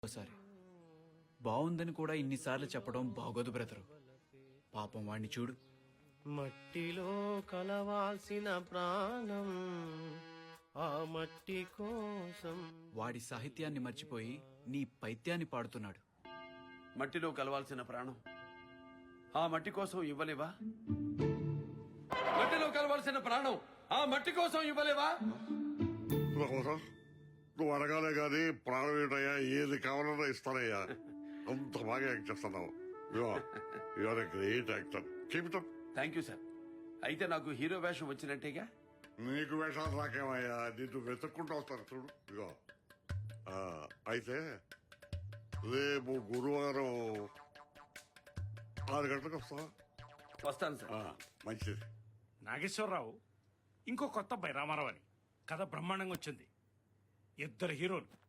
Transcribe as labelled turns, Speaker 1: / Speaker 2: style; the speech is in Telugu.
Speaker 1: ఒకసారి బాగుందని కూడా ఇన్నిసార్లు చెప్పడం బాగోదు బ్రదరు. పాపం వాణ్ణి చూడు.
Speaker 2: మట్టిలో కలవాల్సిన ప్రాణం ఆ మట్టి కోసం.
Speaker 1: వాడి సాహిత్యాన్ని మర్చిపోయి నీ పైత్యాన్ని పాడుతున్నాడు.
Speaker 3: మట్టిలో కలవాల్సిన ప్రాణం ఆ మట్టి కోసం ఇవ్వలేవా? మట్టిలో కలవాల్సిన ప్రాణం ఆ మట్టి కోసం ఇవ్వలేవా?
Speaker 4: నువ్వు అడగాలే గాని ప్రాణం ఏంటయ్యా, ఏది కావాలన్నా ఇస్తానయ్యా. అంత బాగా యాక్ట్ చేస్తున్నావు. Your a great actor. Keep it up.
Speaker 3: Thank you sir. అయితే నాకు హీరో వేషం వచ్చినట్టేగా?
Speaker 4: నీకు వేషాలు రాకేమయ్యా, నిన్ను వెతుక్కుంటూ వస్తారు చూడు. ఇగో అయితే రేపు గురువారం 6 గంటలకు వస్తావా?
Speaker 3: వస్తాను సార్.
Speaker 4: మంచిది.
Speaker 5: నాగేశ్వరరావు ఇంకో కొత్త అబ్బాయి రామారావు అని కథ బ్రహ్మాండంగా వచ్చింది. 2 హీరోలు,